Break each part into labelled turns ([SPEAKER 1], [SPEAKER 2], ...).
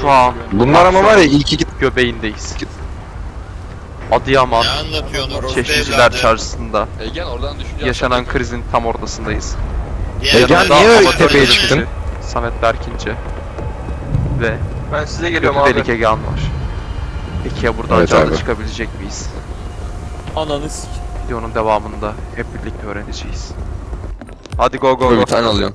[SPEAKER 1] Şu an
[SPEAKER 2] Bunlar ama var ya ilk iki
[SPEAKER 1] göbeğindeyiz. Adıyaman,
[SPEAKER 3] Ne anlatıyorsun orospu
[SPEAKER 1] Çeşmeciler
[SPEAKER 3] evladı?
[SPEAKER 1] Çarşısı'nda
[SPEAKER 4] Egen oradan düşünce
[SPEAKER 1] yaşanan krizin tam ortasındayız.
[SPEAKER 2] Egen
[SPEAKER 1] Yanımda
[SPEAKER 2] niye öyle
[SPEAKER 1] amatör
[SPEAKER 2] tepeye
[SPEAKER 1] yönetici
[SPEAKER 2] çıktın?
[SPEAKER 1] Samet Berkinci ve
[SPEAKER 5] Ben size geliyorum
[SPEAKER 1] Gökdelik
[SPEAKER 5] abi.
[SPEAKER 1] Egehan var. Peki ya buradan
[SPEAKER 2] Evet
[SPEAKER 1] canlı
[SPEAKER 2] abi.
[SPEAKER 1] çıkabilecek miyiz?
[SPEAKER 6] Ananı sik.
[SPEAKER 1] Videonun devamında hep birlikte öğreneceğiz. Hadi go go
[SPEAKER 2] Bir
[SPEAKER 1] go.
[SPEAKER 2] tane alıyorum.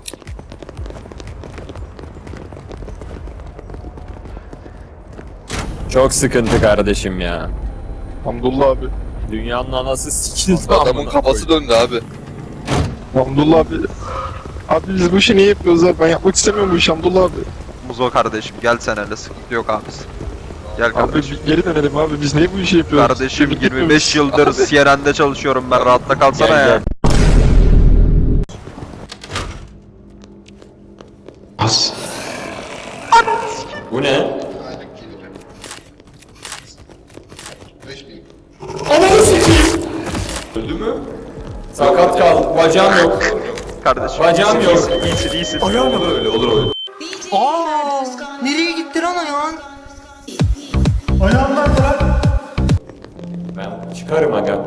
[SPEAKER 6] Çok sıkıntı kardeşim ya.
[SPEAKER 5] Hamdullah abi.
[SPEAKER 6] Dünyanın anası sikildi.
[SPEAKER 4] adamın kafası döndü abi.
[SPEAKER 5] Hamdullah abi. Abi biz bu işi niye yapıyoruz abi? Ben yapmak istemiyorum bu işi Hamdullah abi.
[SPEAKER 1] Muzo kardeşim gel sen hele, sıkıntı yok abi. Gel
[SPEAKER 5] Abi
[SPEAKER 1] kardeşim.
[SPEAKER 5] bir geri dönelim abi. Biz niye bu işi yapıyoruz?
[SPEAKER 1] Kardeşim
[SPEAKER 5] Biz
[SPEAKER 1] 25 yıldır
[SPEAKER 5] Abi.
[SPEAKER 1] CNN'de çalışıyorum ben, rahatta kalsana
[SPEAKER 6] Gel,
[SPEAKER 1] ya.
[SPEAKER 6] gel. Bu ne? Ananı sikeyim. Öldü mü? Sakat kaldı. Bacağım yok.
[SPEAKER 1] Kardeşim
[SPEAKER 6] Bacağım
[SPEAKER 1] iyisin,
[SPEAKER 6] yok.
[SPEAKER 1] iyisin, iyisin.
[SPEAKER 6] Ayağım da böyle olur öyle.
[SPEAKER 7] Aa, nereye gitti lan ayağın?
[SPEAKER 6] Ben çıkarım aga.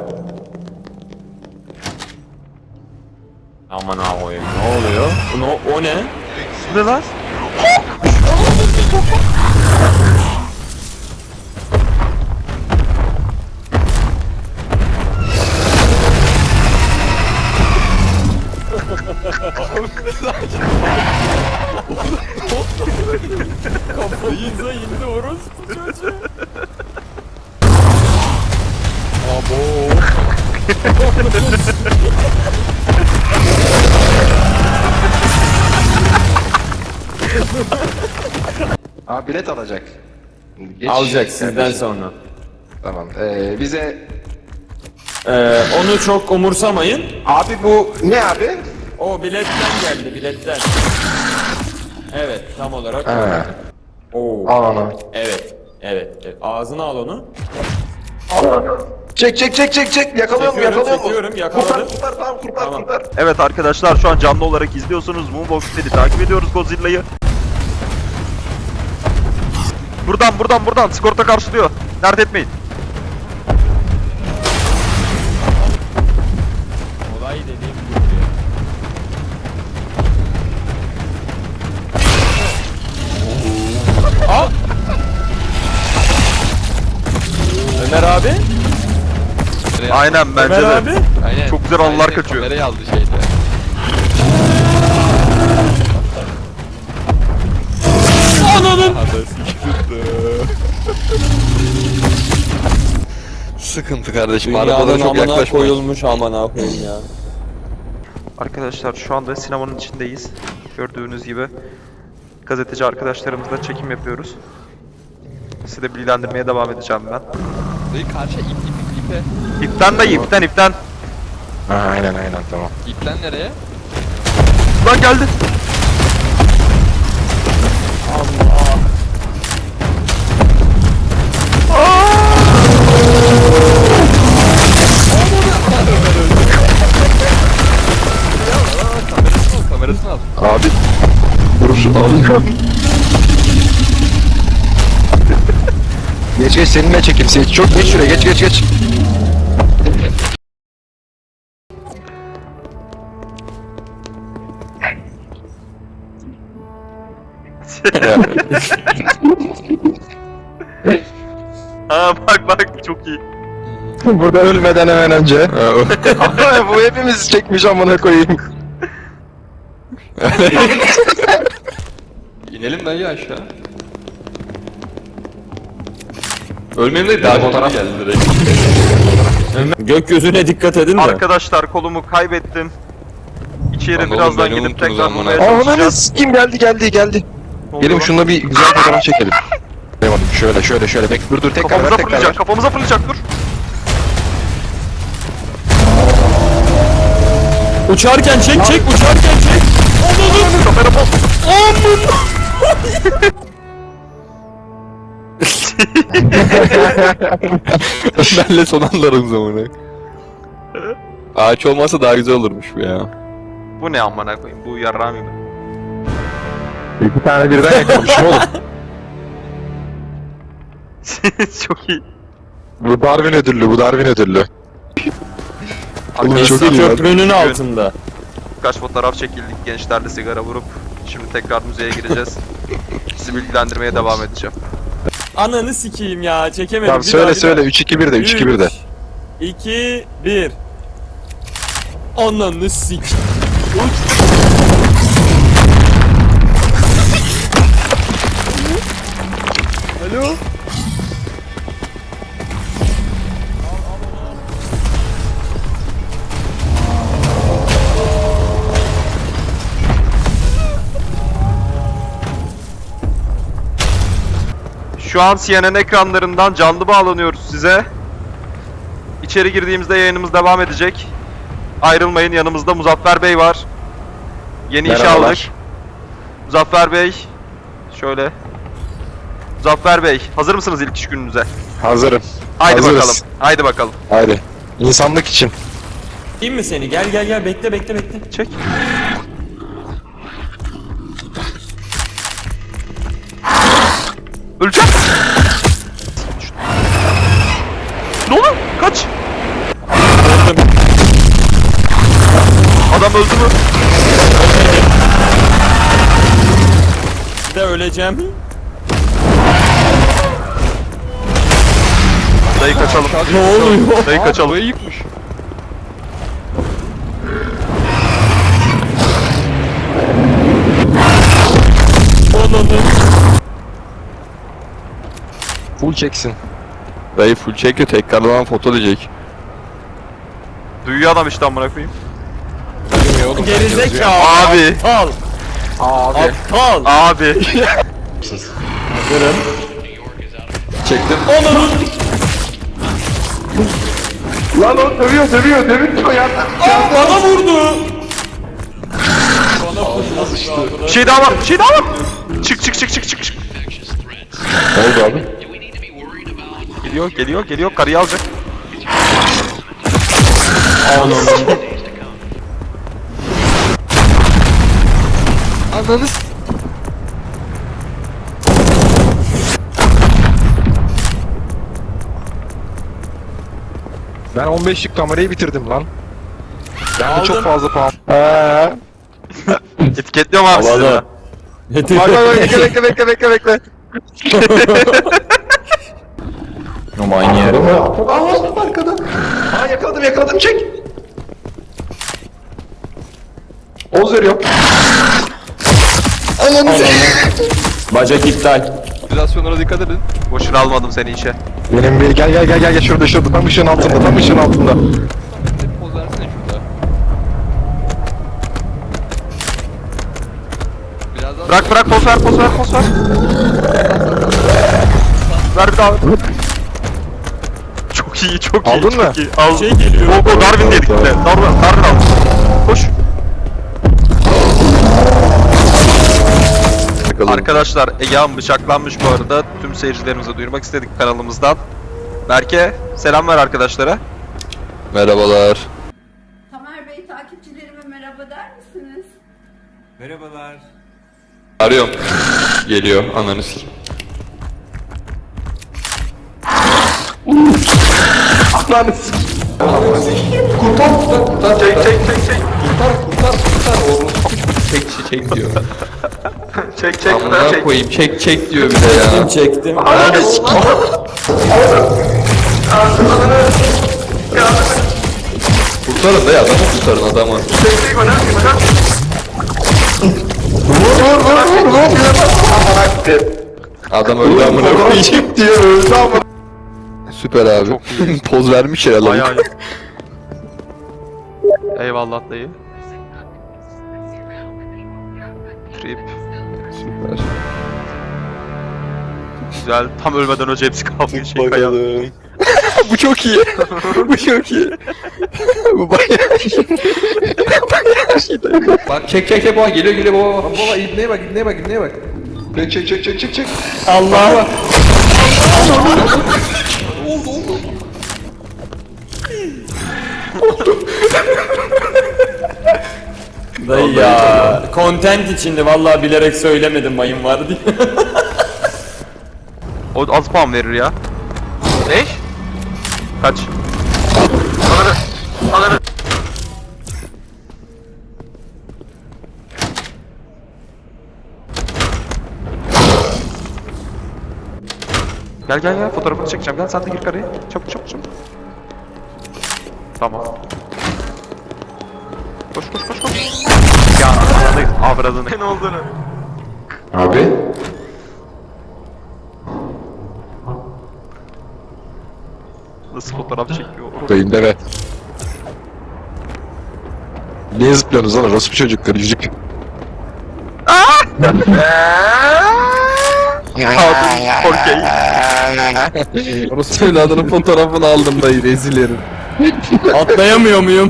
[SPEAKER 6] Aman ha oyun. Ne oluyor? O ne?
[SPEAKER 1] Ne lan?
[SPEAKER 6] Kafayıza indi orospu çocuğu.
[SPEAKER 2] Abi bilet alacak. Geç.
[SPEAKER 6] Alacak sizden sonra.
[SPEAKER 2] Tamam. Bize...
[SPEAKER 6] Onu çok umursamayın.
[SPEAKER 2] Abi bu ne abi?
[SPEAKER 6] O biletten geldi biletten. Evet tam olarak.
[SPEAKER 2] He.
[SPEAKER 6] Oo.
[SPEAKER 2] Al onu.
[SPEAKER 6] Evet. Evet. Ağzına al onu.
[SPEAKER 2] Çek. Yakalıyor mu?
[SPEAKER 6] Çekiyorum, yakaladım.
[SPEAKER 2] Kurtar tamam
[SPEAKER 6] Tamam.
[SPEAKER 2] kurtar.
[SPEAKER 1] Evet arkadaşlar, şu an canlı olarak izliyorsunuz. Moonbox'leri takip ediyoruz, Godzilla'yı. Buradan Skorta karşılıyor. Dert etmeyin.
[SPEAKER 6] Olay dediğim gibi. Al. Ömer abi.
[SPEAKER 1] Aynen bence
[SPEAKER 6] Ömer
[SPEAKER 1] de.
[SPEAKER 6] abi.
[SPEAKER 4] Aynen.
[SPEAKER 1] Çok güzel anılar
[SPEAKER 4] Aynen,
[SPEAKER 1] kaçıyor.
[SPEAKER 4] Kamerayı aldı şeyde.
[SPEAKER 6] Ananın.
[SPEAKER 4] Sıkıntı kardeşim.
[SPEAKER 6] Dünyanın
[SPEAKER 4] Arabalara çok
[SPEAKER 6] amına
[SPEAKER 4] yaklaşma.
[SPEAKER 6] koyulmuş amına koyayım ya.
[SPEAKER 1] Arkadaşlar şu anda sinemanın içindeyiz. Gördüğünüz gibi gazeteci arkadaşlarımızla çekim yapıyoruz. Sizi de bilgilendirmeye devam edeceğim ben.
[SPEAKER 4] Dayı karşı ipe.
[SPEAKER 1] İpten dayı, ipten.
[SPEAKER 2] Ha, aynen tamam.
[SPEAKER 4] İpten nereye?
[SPEAKER 1] Lan geldi.
[SPEAKER 4] Kamerasını al.
[SPEAKER 2] Abi. Dur al. Geç seninle çekeyim. Çok geç şuraya geç.
[SPEAKER 1] Ha bak çok iyi.
[SPEAKER 2] Burada ölmeden hemen önce. Ama bu hepimiz çekmiş amına koyayım.
[SPEAKER 4] İnelim dayı aşağı. Ölmeyeyim de daha fotoğraf geldi direkt.
[SPEAKER 6] Gökyüzüne dikkat edin de.
[SPEAKER 1] Arkadaşlar kolumu kaybettim. İçeri
[SPEAKER 4] Lan oğlum,
[SPEAKER 1] birazdan
[SPEAKER 4] beni
[SPEAKER 1] gidip
[SPEAKER 4] unuttunuz
[SPEAKER 1] tekrar
[SPEAKER 4] amına.
[SPEAKER 1] bulmaya
[SPEAKER 2] Ananı
[SPEAKER 1] çalışacağız.
[SPEAKER 2] sikeyim geldi.
[SPEAKER 1] Ne oluyor
[SPEAKER 2] Gelin
[SPEAKER 1] lan?
[SPEAKER 2] şununla bir güzel fotoğraf çekelim. Yapamadım. Şöyle. Dur tekrar ver.
[SPEAKER 1] Kafamıza fırlayacak dur.
[SPEAKER 6] Uçarken çek uçarken çek. Ananın.
[SPEAKER 1] Kamera bas.
[SPEAKER 4] Benle son anlarım zamanı. Ağaç olmasa daha güzel olurmuş bu ya.
[SPEAKER 1] Bu ne amına koyayım, bu yarrağım mı?
[SPEAKER 2] İki tane birden yakalamışım oğlum.
[SPEAKER 1] Çok iyi.
[SPEAKER 2] Bu Darwin ödüllü, bu Darwin ödüllü. Oğlum çok
[SPEAKER 6] Messi
[SPEAKER 2] iyi lan.
[SPEAKER 6] köprünün altında.
[SPEAKER 1] Birkaç fotoğraf çekildik gençlerle sigara vurup. Şimdi tekrar müzeye gireceğiz. Sizi bilgilendirmeye devam edeceğim.
[SPEAKER 6] Ananı sikeyim ya, çekemedim.
[SPEAKER 2] Tamam
[SPEAKER 6] Bir
[SPEAKER 2] söyle
[SPEAKER 6] daha,
[SPEAKER 2] söyle 3-2-1 de 3-2-1 de.
[SPEAKER 6] 2 1. Ananı sik. Alo.
[SPEAKER 1] Şu an CNN ekranlarından canlı bağlanıyoruz size. İçeri girdiğimizde yayınımız devam edecek. Ayrılmayın, yanımızda Muzaffer Bey var. Yeni işe
[SPEAKER 2] Merhabalar.
[SPEAKER 1] aldık. Muzaffer Bey, şöyle. Muzaffer Bey, hazır mısınız ilk iş gününüze?
[SPEAKER 2] Hazırım.
[SPEAKER 1] Haydi
[SPEAKER 2] Hazırız.
[SPEAKER 1] bakalım. Haydi bakalım.
[SPEAKER 2] Haydi. İnsanlık için.
[SPEAKER 6] İn mi seni? Gel gel gel, bekle bekle bekle.
[SPEAKER 1] Çek. Öleceğim. Ne oldu? Kaç. Adam öldü mü?
[SPEAKER 6] Bir de öleceğim.
[SPEAKER 1] Dayı kaçalım.
[SPEAKER 6] Ne oluyor?
[SPEAKER 1] Dayı kaçalım.
[SPEAKER 4] Havayı yıkmış.
[SPEAKER 6] Ananı.
[SPEAKER 2] Full çeksin.
[SPEAKER 4] Dayı full çekiyor, tekrardan foto diyecek.
[SPEAKER 1] Duyuyor adam işte amına koyayım.
[SPEAKER 6] Gerizekalı.
[SPEAKER 1] Abi.
[SPEAKER 6] Aptal.
[SPEAKER 2] Abi.
[SPEAKER 6] Aptal.
[SPEAKER 1] Abi.
[SPEAKER 6] Hazırım.
[SPEAKER 4] Çektim.
[SPEAKER 6] Ananı.
[SPEAKER 2] Lan o dövüyor ya.
[SPEAKER 6] Aa, bana vurdu.
[SPEAKER 1] Bir şey daha var. Bir şey daha var. Çık çık çık çık çık. çık.
[SPEAKER 2] Ne oldu abi?
[SPEAKER 1] Geliyor. Karıyı alacak.
[SPEAKER 2] Ananı Ben 15'lik kamerayı bitirdim lan. Ben de
[SPEAKER 6] Aldın.
[SPEAKER 2] çok fazla puan.
[SPEAKER 1] Etiketliyorum abi sizi.
[SPEAKER 6] Havada.
[SPEAKER 2] Bak bekle.
[SPEAKER 6] Ama aynı yere.
[SPEAKER 2] Aa yakaladım çek. Oz veriyor.
[SPEAKER 6] Bacak iptal.
[SPEAKER 4] Vibrasyonlara dikkat edin.
[SPEAKER 1] Boşuna almadım seni işe.
[SPEAKER 2] Benim bir gel şurada tam ışığın altında
[SPEAKER 4] Poz versene şurada. Birazdan
[SPEAKER 1] Bırak poz ver. Ver bir daha. Çok iyi.
[SPEAKER 2] Aldın mı?
[SPEAKER 1] Çok iyi. Al.
[SPEAKER 6] Şey geliyor.
[SPEAKER 1] O Darwin dedik bir de. Darwin al. Koş.
[SPEAKER 4] bakalım.
[SPEAKER 1] Arkadaşlar Egehan bıçaklanmış bu arada. Tüm seyircilerimize duyurmak istedik kanalımızdan. Berke selam ver arkadaşlara.
[SPEAKER 4] Merhabalar.
[SPEAKER 3] Tamer Bey, takipçilerime merhaba der misiniz?
[SPEAKER 4] Arıyorum. Geliyor, ananı sikeyim. Çek diyor.
[SPEAKER 1] Çek
[SPEAKER 4] Amına koyayım, çek diyor bir de ya.
[SPEAKER 6] Çektim.
[SPEAKER 4] Kurtarın da adamı kurtarın adamı. Adam öldü amına koyayım.
[SPEAKER 2] diyor öldü ama.
[SPEAKER 4] Süper abi. Poz vermiş ya
[SPEAKER 1] Bayağı
[SPEAKER 4] adam.
[SPEAKER 1] iyi. Eyvallah dayı. Trip.
[SPEAKER 4] Süper.
[SPEAKER 1] Güzel. Tam ölmeden önce hepsi kaldı. Şey kayan.
[SPEAKER 4] Bu çok iyi. Bu çok iyi. Bu bayağı iyi. Bayağı iyi. Bak çek baba geliyor baba. Baba ibneye bak. Çek.
[SPEAKER 6] Allah. Dayı ya. Content içinde vallahi bilerek söylemedim mayın var diye.
[SPEAKER 1] O az puan verir ya. Ne? Kaç. Gel gel gel, fotoğrafını çekeceğim. Gel sen de gir karaya. Çabuk çabuk çabuk. Tamam. Koş koş koş koş. Ya avradını. Ne olduğunu.
[SPEAKER 6] Abi.
[SPEAKER 1] Nasıl fotoğraf çekiyor?
[SPEAKER 2] Beyim deve. Niye zıplıyorsunuz lan? Orospu çocukları yüzük.
[SPEAKER 1] Okey.
[SPEAKER 4] Orası evladının fotoğrafını aldım dayı rezil herif. Atlayamıyor muyum?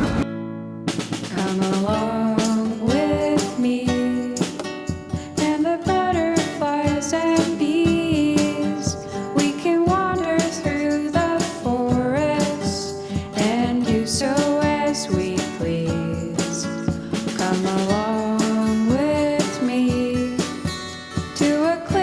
[SPEAKER 8] Come along with me, and the butterflies and bees. We can wander through the forest and do so as we please. Come along with me to a